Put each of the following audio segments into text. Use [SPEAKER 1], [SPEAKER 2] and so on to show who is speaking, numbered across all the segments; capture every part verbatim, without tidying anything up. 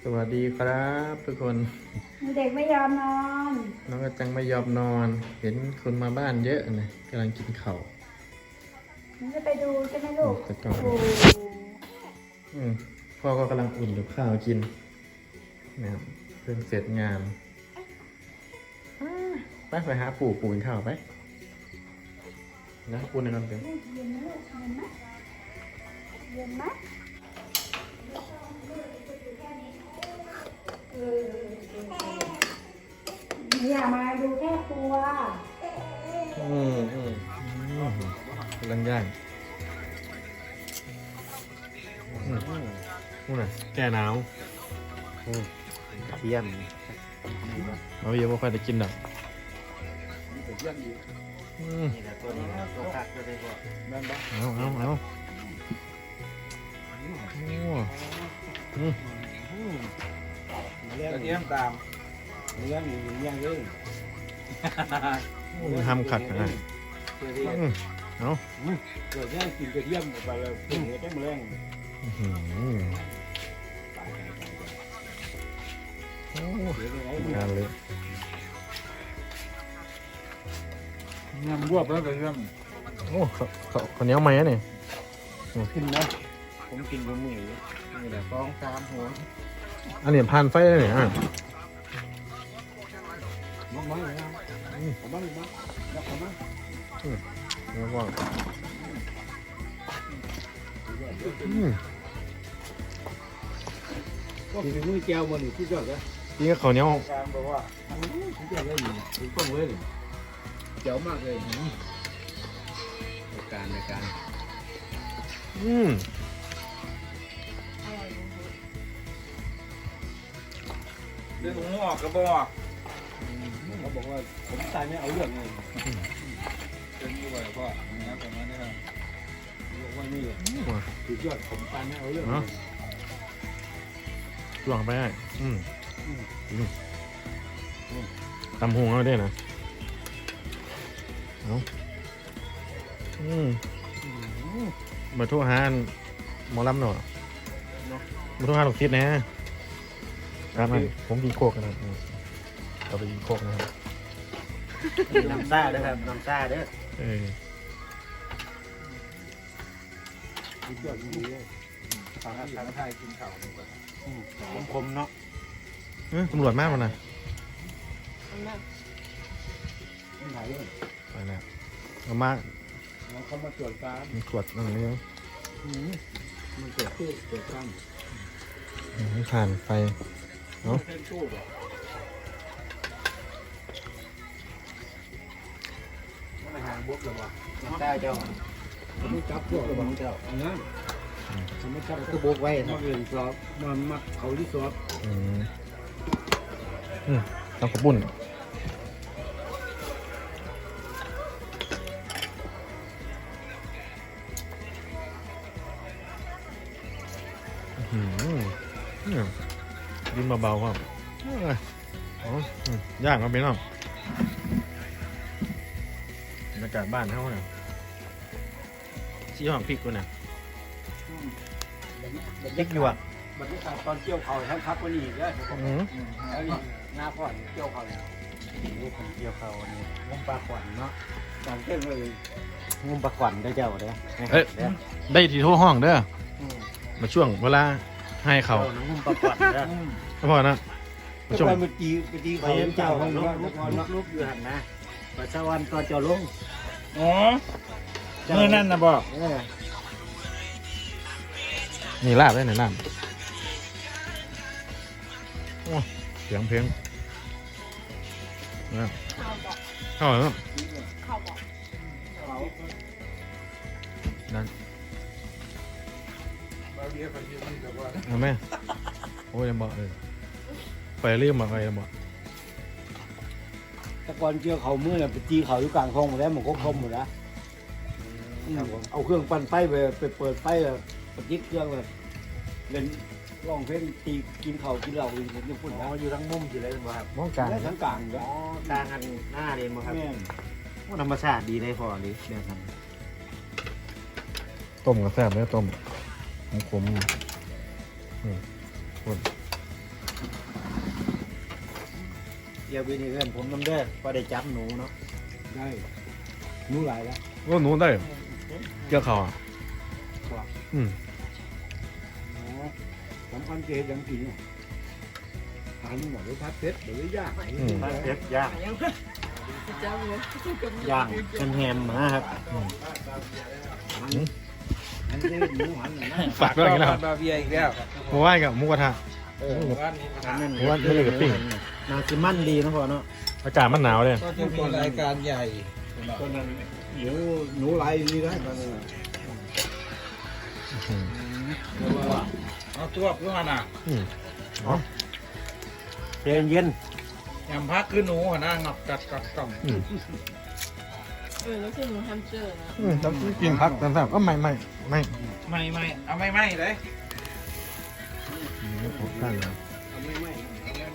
[SPEAKER 1] สวัสดีครับทุกคน
[SPEAKER 2] เด็กไม่ยอมนอน
[SPEAKER 1] น้องกระจังไม่ยอมนอน เห็นคนมาบ้านเยอะนะกำลังกินข้าว
[SPEAKER 2] มันจะไปดูใช่ไหมลูกโอ้
[SPEAKER 1] อืมพ่อก็กำลังอุ่นกับข้าวกินนะครับเพิ่งเสร็จงานไปไปหาปู่ปู่กินข้าวไปนะปู่ในกันเต็ม
[SPEAKER 2] เย็นไหมลูกเย็นไหมเย็นไหมอย่ามาดูแค่ครัว
[SPEAKER 1] อืมอืมกำลังย่างนู่นน่ะแก้หนาว
[SPEAKER 3] เทียม
[SPEAKER 1] เราเยอะไม่ค่อยได้กินหรอก
[SPEAKER 3] นี่แหละตัวนี้ตัวคักตัวได้บ่นั่นบ่
[SPEAKER 1] เอาเอาเอา
[SPEAKER 3] เรื่องเทียมตามเรื่องอยู่อย่างเรื่อง
[SPEAKER 1] ทำขัดนะเอา
[SPEAKER 3] เกิดเนี่ยกินกระเทียมไปแล้วกินกระเทียมแรง
[SPEAKER 1] งานเลย
[SPEAKER 3] งานบวบแล้วกระเทียม
[SPEAKER 1] โอ้เขาเขาเนี้ยไหมเนี่ย
[SPEAKER 3] กินนะผมกินกับมือนี่แหละสองสามหัว
[SPEAKER 1] อันนี้ผ่านไฟได้เนี่ยอ่ะ
[SPEAKER 3] มากมากเลยนะผมบ้างบ้างยักผมบ้าง
[SPEAKER 1] แล้วก็
[SPEAKER 3] ก็กินมือแก้วมันอยู่ที่ยอดเลย
[SPEAKER 1] กินกับข้าวเหนียว
[SPEAKER 3] การบอกว่าที่ยอดเลยอยู่ถึงต้นเลยเจ๋วมากเลยในการในการ
[SPEAKER 1] อืม
[SPEAKER 3] เรื่องงอกกระบอกเขาบอกว่าผมตายไม่เอาเรื่องเลยเป็นยี่ห้อพ่อเนี่ยประมาณนี้ครับบอกว่านี่สุดยอดผมตายไม่เอาเรื่อง
[SPEAKER 1] หลวงไปได้อืมตำหงเอาได้นะเอาอืมมาทั่วหาหมอลำหน่อยมาทั่วหาลูกศิษย์นะครับผมกินโคกนะเราไปกินโคกนะครับ
[SPEAKER 3] น้ำซ่าด้วยครับน้ำซ่าเด้อ
[SPEAKER 1] เออ
[SPEAKER 3] สุดยอดจริงเลยทางทางไทยกินข้าวคมๆเนาะ
[SPEAKER 1] ตำรวจมากมันนะไปแล้วเอามา
[SPEAKER 3] เขามาตรวจการ
[SPEAKER 1] มันตรวจอะไรนี่
[SPEAKER 3] มันเกิดตู้เกิดตั้ง
[SPEAKER 1] ไม่ผ่านไฟเนาะ
[SPEAKER 3] ไม่ห่างบุ๊กหรอวะน้ำตาเจ้าไม่จับพวกระวังเจ้านะทำไม่จับก็บุ๊กไว้มาเรียนสอบมามัดเขาที่สอบ
[SPEAKER 1] อืมอืมต้องขบุ่นกินเบาๆครับอ๋อย่างมาเป็นน้องบรรยากาศบ้านเขาเนี่ยชี้ห้องพริกกูเนี่ย
[SPEAKER 3] เล็กอยู่อ่ะบรรยากาศตอนเกี่ยวเขาทั้งพักวันนี้ก็แล้วนี่หน้าก่อนเกี่ยวเขาแล้วนี่คนเกี่ยวเขาเนี่ยงมปลาขวัญเนาะตอนเที่ยงเลยงมปลาขวัญได้เจ้าเด้อ
[SPEAKER 1] เอ้ยได้ที่โทรห้องเด้อมาช่วงเวลาให้เขา
[SPEAKER 3] งมปลาขวัญเด้อ
[SPEAKER 1] พอนะ
[SPEAKER 3] ช่วงเมื่อกี้เมื่อกี้เขาเจ้าของลุกลุกลุกอยู่หันนะปัสสาวะตอนเจ้าลง
[SPEAKER 4] อ๋อเมื่อนั่นนะบอก
[SPEAKER 1] นี่ลาบได้ไหนลาบโอ้เสียงเพลงเข้าเหรอเข้าบอกนั่นเอาไหมโอ้ยยังบอกเลยไปเรียกมาใครยังบอก
[SPEAKER 3] ตะกอนเกี่ยวเขาเมื่อไปตีเขาอยู่กลางคลองหมดแล้วมันก็คมหมดแล้วเอาเครื่องปั่นไฟไปไปเปิดไฟแบบปฏิเครื่องแบบเล่นร้องเพลงตีกินเขากินเหล้าอยู่ญี่ปุ่นนะอยู่ทั้งมุมอยู่เลยมั้งครับ
[SPEAKER 1] มองกลาง
[SPEAKER 3] ทั้งกลางอ๋อกลางกันหน้าเลยมั้งครับว่าธรรมชาติดีเลยพอดีเดี๋ยวท
[SPEAKER 1] ำต้มกระแซบเลยต้มขมขม
[SPEAKER 3] เดี๋ยววิธีเพื่อนผมน้ำเด้อพอได้จับหนูเนาะได้หนูหลายแล้ว
[SPEAKER 1] โอ้หนูได้เกี่ยวเขาอ่ะอืม
[SPEAKER 3] สำคัญเกศยังกินเนี่ยทานหมดเลยพัดเพชรหรือย่าง
[SPEAKER 1] อืม
[SPEAKER 3] พัดเพชรย่างย่างเป็นแฮมนะครับอันนี้หมูหันนะ
[SPEAKER 1] ฝากด้วยกันแล้ว
[SPEAKER 4] บาเบียอีกแล้ว
[SPEAKER 1] หมูว่านกับหมูกระทะ
[SPEAKER 3] เออ
[SPEAKER 4] บ้านนี้มา
[SPEAKER 1] หมูว่านไม่เลยกับปิ้ง
[SPEAKER 3] นาซิมันดีนะพ่อเนาะ
[SPEAKER 1] อากาศมันหนาวเลย
[SPEAKER 4] ก็จะมีรายการใหญ่
[SPEAKER 3] ตอนนั้นเดี๋ยวหนูลายนี่ได้บ้าง
[SPEAKER 1] อืม
[SPEAKER 4] เอาตัวเพื่อนอ่ะ
[SPEAKER 1] อืมอ๋อ
[SPEAKER 3] เย็นเย็น
[SPEAKER 4] ยำพักคือหนูหัวหน้างับกัดกัดกล่อง
[SPEAKER 1] อืม
[SPEAKER 5] เออแล้วคือหนูแฮมสเตอร์นะ
[SPEAKER 1] อืมต้องกินพักต่างๆก็ไม่ไม่ไม่
[SPEAKER 4] ไม่ไม่เอาไม่ไม่เลย
[SPEAKER 1] อืมผมข้างนะ
[SPEAKER 3] เอาไม่ไม่
[SPEAKER 4] เอาไม่ไม่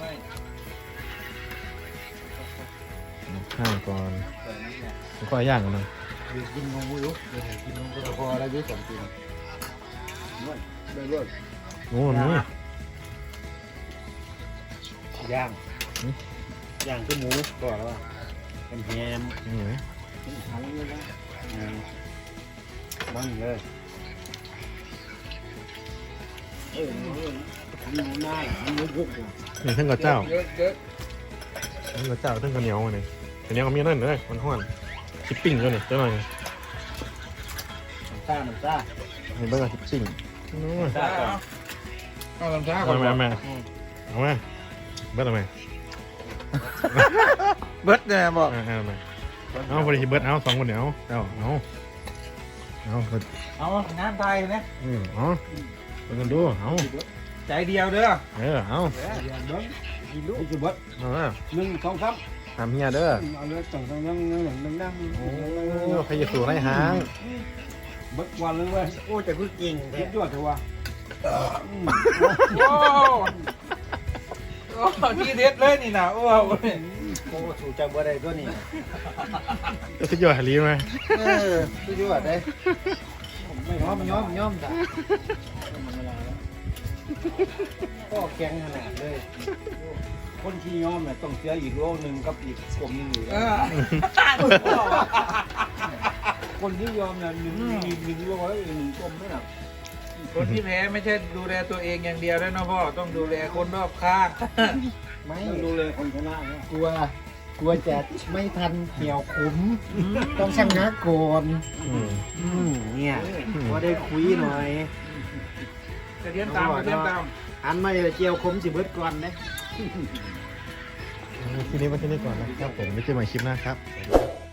[SPEAKER 1] ข้างก่อนแล้วก็ย่างกันนะ
[SPEAKER 3] เดี๋ยวกินงงมุ้ยเดี๋ยวกินงงก็พอแล้วยุ่งสองกินนวดได้เลย
[SPEAKER 1] โอ้หนู
[SPEAKER 3] ย่างย่างคือหมูก่อนแล้วว่าเป็นแฮม
[SPEAKER 1] อืม
[SPEAKER 3] ทั้งเลยนะมันเลยเออมีหน้ามีมุกมุกอ่ะ
[SPEAKER 1] นี่ทั้งกับเจ้า
[SPEAKER 4] เยอะเยอะ
[SPEAKER 1] ทั้งกับเจ้าทั้งกับเหนียวมาเลยเหนียวก็มีนั่นเลยมันห้อนชิปปิ้งด้วยนี่เจ้าหน่อย
[SPEAKER 3] น้ำซ่าน้ำซ่า
[SPEAKER 1] มีเบอร์ชิปปิ้งโอ้ย
[SPEAKER 3] ซ่าก่อน
[SPEAKER 4] เอาลำช้าก่อ
[SPEAKER 1] เอา
[SPEAKER 4] น
[SPEAKER 1] มาเอามาเอามาเบิร์ดเอามา
[SPEAKER 4] เบิร์ดเนี่ยบอก
[SPEAKER 1] เอาเอามาเอาบริษัทเบิร์ดเอาสองคนเดียวเอาเอาเอาเอา
[SPEAKER 4] เอางานไทยนะ
[SPEAKER 1] อืมเอาไปกันดูเอา
[SPEAKER 4] ใจเดียวเด้อ
[SPEAKER 1] เออเอา
[SPEAKER 3] อย่างเดิมกินลูกกินบัด
[SPEAKER 1] เอาละ
[SPEAKER 3] หนึ่งสองสาม
[SPEAKER 1] ทำเฮียเด้อ
[SPEAKER 3] เอาเลยต่างต่างนั่งนั่งนั่งนั่งนั่ง
[SPEAKER 1] โอ้พยาสูไรหาง
[SPEAKER 3] บัดวันเลยเว้ยโอ้แต่คือกินเด็ดยอดเถอะวะ
[SPEAKER 4] โอ้โอ้ที่เด็ดเลยนี่นะโอ้โห
[SPEAKER 3] โอ้ถูกจังบ่ได้ตัวนี้
[SPEAKER 1] จะสุดยอดฮารีไหม
[SPEAKER 3] เออสุดยอดเลยไม่ย้อมย้อมย้อมจ้ะก็แข็งขนาดเลยคนที่ย้อมเนี่ยต้องเสียอีกโลนึงกับอีกกลมนึงอยู่
[SPEAKER 4] เออ
[SPEAKER 3] คนที่ยอมเนี่ยหนึ่งหนึ่งหนึ่งโลแล้วหนึ่งกลมด้วยนะ
[SPEAKER 4] คนที่แพ้ไม่ใช่ดูแลตัวเองอย่างเดียวด้วยนะพ่อต้องดูแลคนรอบข้าง
[SPEAKER 3] ไม่ดูเลยคนชนะเนี่ยกลัวกลัวจะไม่ทันเกี่ยวขุมต้องชนะก่อน
[SPEAKER 1] อืม
[SPEAKER 3] อืมเนี่ยพอได้คุยหน่อย
[SPEAKER 4] กระเทียมตามกระเทียมตาม
[SPEAKER 3] อันมาเดี๋ยวเจียวขมสิเบิดก่อนนะ
[SPEAKER 1] ทีนี้มาที่นี่ก่อนนะครับผมไม่เจอใหม่คลิปหน้าครับ